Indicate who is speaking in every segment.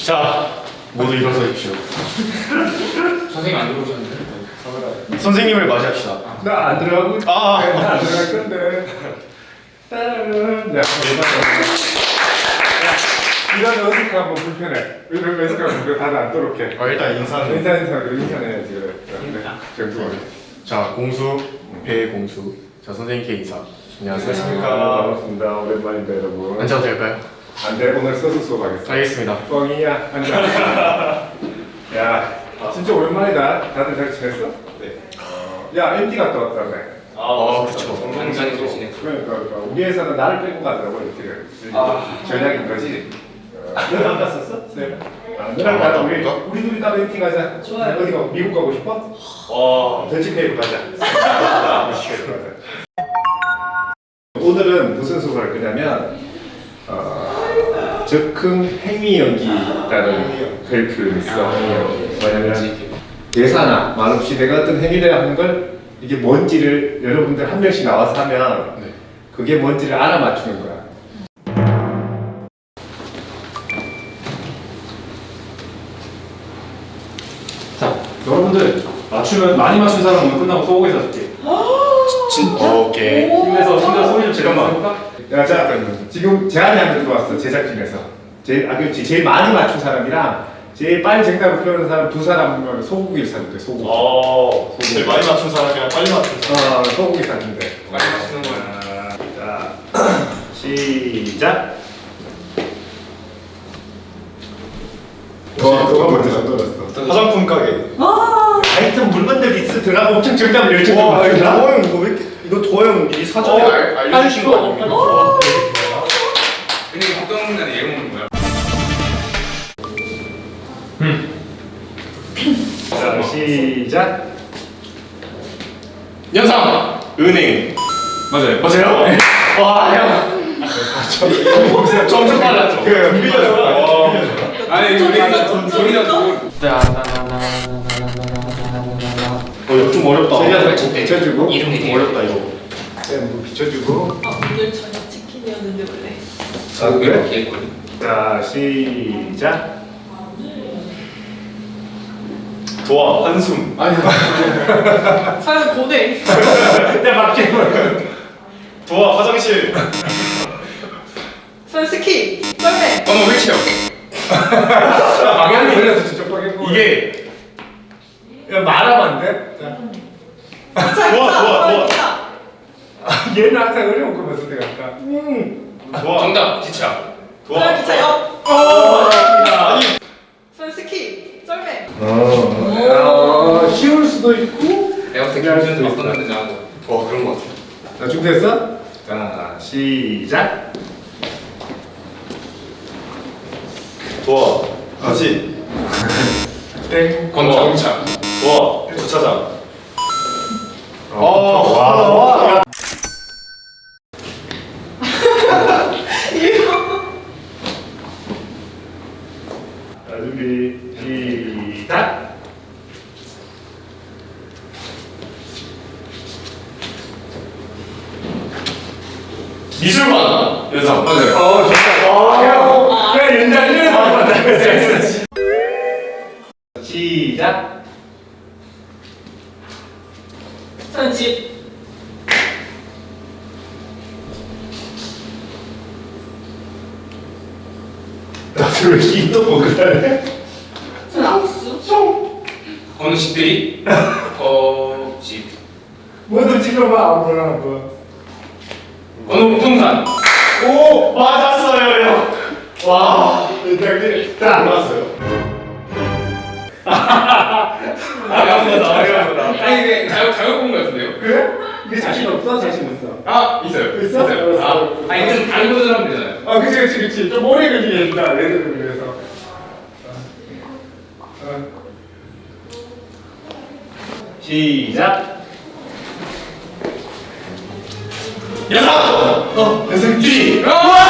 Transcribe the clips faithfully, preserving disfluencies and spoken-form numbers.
Speaker 1: 자, 모두 일어서십시오.
Speaker 2: 선생님 안 들어오셨는데?
Speaker 1: 선생님을 맞이합시다.
Speaker 3: 나 안 들어가고
Speaker 1: 아,
Speaker 3: 네, 나안 들어갈 건데. 따라란. 야, 이런 어색하면 불편해. 이런 어색하면 불편해. 다들 안 떠올게.
Speaker 1: 아, 일단 인사는.
Speaker 3: 인사 인사 인사해야지 그래. 그래. 정수.
Speaker 1: 자, 공수, 배공수. 자, 선생님께 인사. 안녕하십니까.
Speaker 3: 반갑습니다. 오랜만입니다, 여러분.
Speaker 1: 앉아도 될까요?
Speaker 3: 안 돼, 오늘 서서 수업하겠어.
Speaker 1: 알겠습니다.
Speaker 3: 뻥이야. 앉아. 야, 진짜 오랜만이다. 다들 잘 지냈어?
Speaker 1: 네.
Speaker 3: 어, 야, 엠티 갔다 왔다며.
Speaker 1: 아, 그쵸.
Speaker 2: 굉장히 좋으시네.
Speaker 3: 그러니까, 그러니까 우리 회사는 나를 빼고 가더라고 이렇게.
Speaker 2: 아.
Speaker 3: 전략인 거지. 너안 갔었어? 네. 아, 너랑
Speaker 1: 아,
Speaker 3: 나랑 우리
Speaker 1: 맞다.
Speaker 3: 우리 둘이 따로 엠티 가자.
Speaker 4: 좋아요.
Speaker 3: 어디 가? 미국 가고 싶어?
Speaker 1: 와,
Speaker 3: 던치페이로 가자. 던치페이로 가자. 오늘은 무슨 수업을 할 거냐면 어, 즉흥 행위 연기라는 별표를 있어. 행위 연기. 뭐냐면 대사나 말없이 내가 어떤 행위를 하는 걸 이게 뭔지를 여러분들 한 명씩 나와서 하면
Speaker 1: 네.
Speaker 3: 그게 뭔지를 알아맞추는 거야.
Speaker 5: 자, 여러분들 맞추면 많이 맞춘 사람 오늘 끝나고 소고기 사줄게.
Speaker 1: 진, 오케이.
Speaker 5: 힘내서 힘내서 소리 좀
Speaker 1: 잠깐만.
Speaker 5: 질러볼까?
Speaker 3: 야, 자, 지금 제안이 하나 들어왔어. 제작진에서. 제일, 아, 그렇지. 제일 많이 맞춘 사람이랑 제일 빨리 정답을 표현한 사람 두 사람을 소고기를 사준대. 소고기.
Speaker 1: 어, 제일 많이 맞춘 사람이랑 빨리 맞춘 사람.
Speaker 3: 어, 소고기 사준대.
Speaker 2: 많이 마시는 거야.
Speaker 3: 자, 시작. 어, 누가 먼저 넣었어?
Speaker 1: 화장품 가게.
Speaker 3: 하여튼 물건들 리스트 들어가고 엄청 정답을 열심히
Speaker 1: 와,
Speaker 3: 맞춘다.
Speaker 1: 도영 이거 왜 이렇게, 이거 도영 미리 사전에
Speaker 2: 어,
Speaker 1: 알, 알려주신 거 아닙니까?
Speaker 2: 근데 이거 보통 먹는 얘 먹는 거야?
Speaker 3: 자, 시작.
Speaker 2: 연상!
Speaker 1: 은행.
Speaker 5: 맞아요.
Speaker 1: 맞아요? 와, 형.
Speaker 2: 점점 빨랐죠?
Speaker 3: 그, 밀려줘.
Speaker 2: 아니 이거 우리가 소리나 듣고
Speaker 1: 어, 이거 좀 어렵다.
Speaker 3: 제가 좀 비춰주고.
Speaker 2: 이름
Speaker 1: 좀 어렵다, 이거.
Speaker 3: 네, 뭐 비춰주고.
Speaker 4: 아, 오늘 저녁 치킨이었는데 원래.
Speaker 3: 아, 그래?
Speaker 2: 이렇게 했거든.
Speaker 3: 자, 시작.
Speaker 1: 도화, 한숨.
Speaker 3: 아니,
Speaker 4: 사연 고대.
Speaker 3: 내 맞게.
Speaker 1: 도화, 화장실.
Speaker 4: 사연 스키. 썰매.
Speaker 2: 어머 휠체어.
Speaker 3: 방향이 걸려서 저쪽 방향 보고.
Speaker 1: 이게.
Speaker 3: 야, 말하면 안 돼? 자.
Speaker 4: 기차,
Speaker 1: 좋아,
Speaker 4: 기차,
Speaker 1: 좋아,
Speaker 4: 사연
Speaker 1: 좋아.
Speaker 4: 기차.
Speaker 3: 얘는 항상 어려운 거만 쓸 때가 아까. 음.
Speaker 1: 도화.
Speaker 2: 정답 기차.
Speaker 1: 도화.
Speaker 4: 사연 기차 역.
Speaker 3: 어,
Speaker 1: 아니.
Speaker 4: 사연 스키. 썰매.
Speaker 3: 어, 쉬울 수도 있고.
Speaker 2: 내가 봤을 때
Speaker 3: 할
Speaker 2: 김수현도
Speaker 3: 수도
Speaker 2: 바꿨는데
Speaker 3: 있어.
Speaker 2: 나하고.
Speaker 1: 어, 그런 거 같아.
Speaker 3: 자, 준비됐어? 자, 시작.
Speaker 1: 도화, 다시.
Speaker 3: 땡.
Speaker 2: 건자동차.
Speaker 1: 도화, 주차장.
Speaker 3: 어,
Speaker 1: 와, 와.
Speaker 3: 자, 준비. 시작.
Speaker 1: 미술관. 연상. 맞아요.
Speaker 3: 어, 좋다. 어, 그래, 연장 일을 받았다. 시작.
Speaker 4: 사연 집.
Speaker 3: 나도 왜 힘도 못 그래?
Speaker 4: 사연 하우스.
Speaker 2: 어느 집들이? 어 집.
Speaker 3: 뭐든 찍어봐, 아무거나 한번.
Speaker 2: 어느 부동산.
Speaker 1: 오, 맞았어요, 형. 와.
Speaker 3: 연장님. 자,
Speaker 1: 맞았어요.
Speaker 2: 어려운거다 어려운거다. 아니 이게 자유 자유 공부 같은데요?
Speaker 3: 그래? 이게 자신 없어? 자신 있어.
Speaker 2: 아 있어요.
Speaker 3: 있어?
Speaker 2: 아 아니 좀 다른 버전 하면 되잖아요.
Speaker 3: 아, 그치, 그치, 그치. 좀 오래 걸리게 된다. 얘들을 위해서. 어. 시작.
Speaker 1: 연상. 어, 연상 뒤.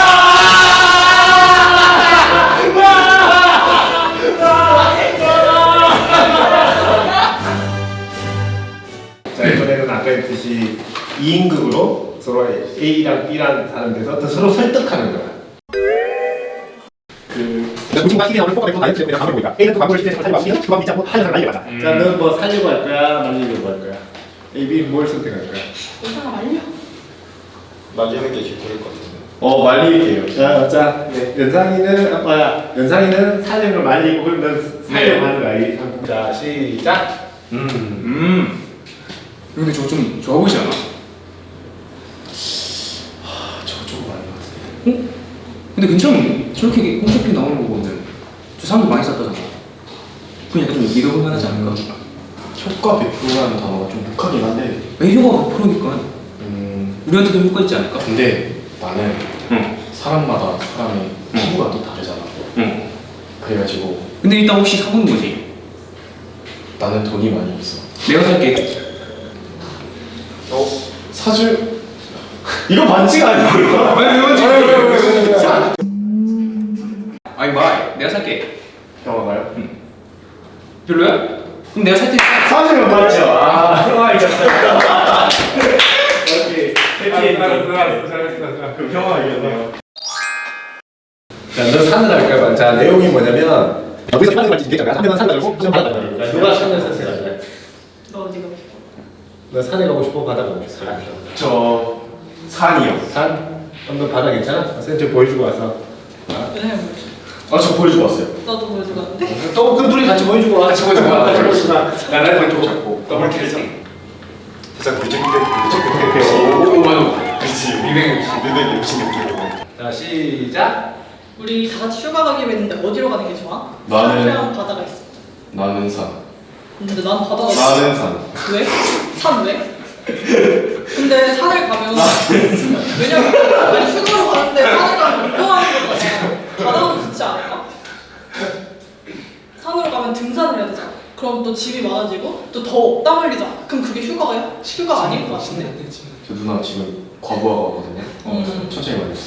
Speaker 3: 자, 이번에는 아까 했듯이 이 인극으로 서로 A랑 B랑 다른 데서 또 서로 설득하는 거야. 그 그 친구가 티비 나오는 뽀뽀가 다이어트 때문에 방을 보니까 A는 그 광고를 실제로 살리고 B는 그 광고 믿지 않고 하는 사람 말리려 하자.
Speaker 2: 음.
Speaker 3: 자, 너는 뭐 살려고 할 거야? 말리려고 할 거야? A, B 뭘 선택할 거야?
Speaker 4: 의사가 말려.
Speaker 1: 말리는 게 기쁘일 것 같은데.
Speaker 3: 어, 말리게요. 자, 자, 네. 연상이는 아빠야. 연상이는 살려고 말리고 그럼 넌 살려고 하는 거야. 자, 시작.
Speaker 1: 음.
Speaker 2: 음. 근데 저거 좀 좋아 보이지 않아?
Speaker 1: 저거 조금 아닌 것 같은데.
Speaker 2: 어? 근데 괜찮은 저렇게 홈쇼핑 나오는 거 보면 저 사람들 많이 샀다잖아. 그냥 약간 좀 믿어볼 만하지 않을까?
Speaker 1: 효과 백 퍼센트라는 단어가 좀 독하긴 한데.
Speaker 2: 왜 효과가 백 퍼센트니까
Speaker 1: 음.
Speaker 2: 우리한테도 효과 있지 않을까?
Speaker 1: 근데 나는
Speaker 2: 응.
Speaker 1: 사람마다 사람의 피부가 또 다르잖아.
Speaker 2: 응.
Speaker 1: 그래가지고
Speaker 2: 근데 일단 혹시 사보는 거지?
Speaker 1: 나는 돈이 많이 없어.
Speaker 2: 내가 살게.
Speaker 1: 어? 사줄?
Speaker 3: 이거 반칙 아니야?
Speaker 2: 왜 이러지? 아니 말 내가 살게.
Speaker 3: 경화가요?
Speaker 2: 별로야? 그럼 내가 살 테니까.
Speaker 3: 사주면 맞죠? 아, 경화 이겼어요. 오케이. 해피
Speaker 2: 잘했어,
Speaker 3: 잘했어, 잘했어. 그럼 경화 이겼네요. 자, 너 산을 할 거야. 자, 내용이 뭐냐면 여기서 산을 할지 얘기했잖아. 한 명은 산 가지고 한 명은 바다 가지고. 자, 누가 산을 선택할래?
Speaker 4: 너 어디 가고 싶어?
Speaker 3: 너 산에 가고 싶어? 바다 가고 싶어?
Speaker 1: 저 산이요.
Speaker 3: 산? 그럼 너 바다 괜찮아? 센터 보여주고 와서.
Speaker 4: 왜냐면 뭐지?
Speaker 1: 아, 저 보여주고 왔어요.
Speaker 4: 나도 보여주고 왔는데?
Speaker 3: 또 그럼 둘이 같이 보여주고 와.
Speaker 1: 같이 보여주고 와.
Speaker 3: 나를 왼쪽 잡고.
Speaker 1: 더블 킬했잖아.
Speaker 6: 살짝 굴직인데 굴직인데
Speaker 1: 오, 맞아.
Speaker 6: 그렇지
Speaker 2: 이백육십.
Speaker 6: 이백육십 느낌으로
Speaker 3: 자, 시작.
Speaker 4: 우리 다 같이 휴가 가기로 했는데 어디로 가는 게 좋아?
Speaker 1: 나는-
Speaker 4: 산이랑 바다가 있어.
Speaker 1: 나는 산.
Speaker 4: 근데 난 바다가
Speaker 1: 나는 산.
Speaker 4: 왜? 산 왜? 근데 산을 가면 왜냐면 아니 휴가로 가는데 산을 가면 운동하는 거잖아. 바다도 좋지 않을까? 산으로 가면 등산을 해야 되잖아. 그럼 또 짐이 많아지고 또 더 땀 흘리잖아. 그럼 그게 휴가야? 휴가 아닐 것 같은데.
Speaker 1: 저 누나 지금 과부하거든요. 어,
Speaker 4: 음.
Speaker 1: 천천히 말했어.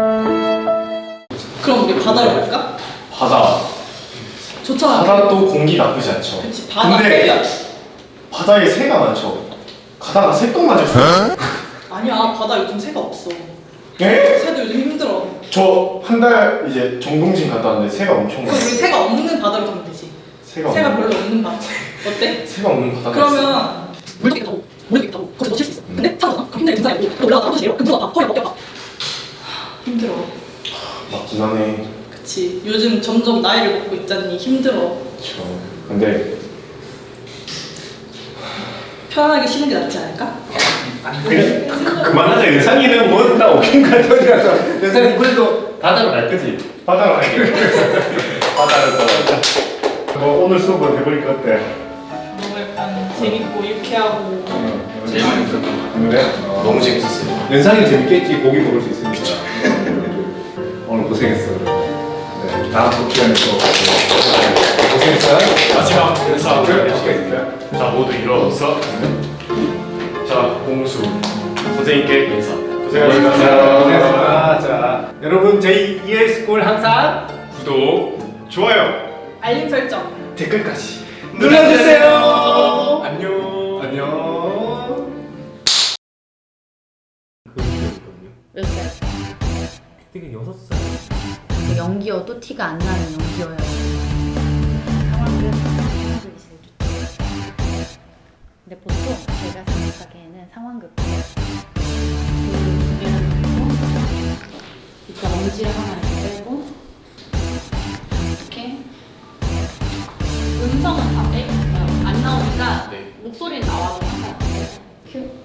Speaker 4: 그럼 우리 바다로 갈까?
Speaker 1: 바다.
Speaker 4: 좋잖아.
Speaker 1: 바다도 공기 나쁘지 않죠.
Speaker 4: 그치 바다
Speaker 1: 근데-
Speaker 4: 빼야.
Speaker 1: 바다에 새가 많죠. 가다가 새똥 맞을 수 있어요.
Speaker 4: 아니야 바다 요즘 새가 없어.
Speaker 1: 네?
Speaker 4: 새도 요즘 힘들어.
Speaker 1: 저 한 달 이제 정동진 갔다 왔는데 새가 엄청
Speaker 4: 그럼
Speaker 1: 많아요.
Speaker 4: 우리 새가 없는 바다로 가면 되지.
Speaker 1: 새가
Speaker 4: 새가
Speaker 1: 없는
Speaker 4: 별로 없는 바다. 어때?
Speaker 1: 새가 없는 바다가 있어요.
Speaker 4: 그러면 물도 있다고 물도 있다고 거기서 놓칠 수 있어. 근데 산거잖아. 그럼 힘들게 등산하고 또 올라가다 아무도 내려. 그럼 누가 봐 허리 벗겨봐. 힘들어.
Speaker 1: 맞긴 하네.
Speaker 4: 그치. 요즘 점점 나이를 먹고 있잖니. 힘들어.
Speaker 1: 그렇죠. 근데
Speaker 4: 편하게 쉬는 게 낫지 않을까?
Speaker 3: 그냥 그- 그만하자. 연상이는 뭐다 오긴 갔더니라서 연상이 그래도 바다로 갈 거지. 바다로 갈게. 바다로 가. 뭐 오늘 수업은 해보니까 어때?
Speaker 4: 너무 약간 재밌고 유쾌하고
Speaker 2: 제일 많이 웃었던 거.
Speaker 3: 그래? 어.
Speaker 1: 너무 재밌었어요.
Speaker 3: 연상이 재밌겠지. 고기 먹을 수 있으니까. 오늘 고생했어. 네, 다음 또 시간에 또 고생했어.
Speaker 1: 마지막 인사를
Speaker 3: 해주겠습니다.
Speaker 1: 자, 모두 일어서. 자, 공수 선생님께 인사. 고생하셨습니다.
Speaker 3: 고생했습니다. 자, 여러분 저희 이엘스쿨 항상
Speaker 1: 구독, 좋아요,
Speaker 4: 알림 설정.
Speaker 1: 댓글까지
Speaker 3: 눌러주세요.
Speaker 1: 안녕.
Speaker 3: 안녕.
Speaker 7: 몇 살?
Speaker 3: 그때 여섯 살.
Speaker 7: 그 연기여도 티가 안 나는 연기여야 돼. 상황극, 상황극이 제일 좋죠. 근데 보통 제가 생각하기에는 상황극 그 두개를 놓고 이렇게 엄지를 하나 이렇게 빼고 이렇게 음성은 다 빼고 안 나오니까
Speaker 1: 네.
Speaker 7: 목소리는 나와도 상관없어요. 큐.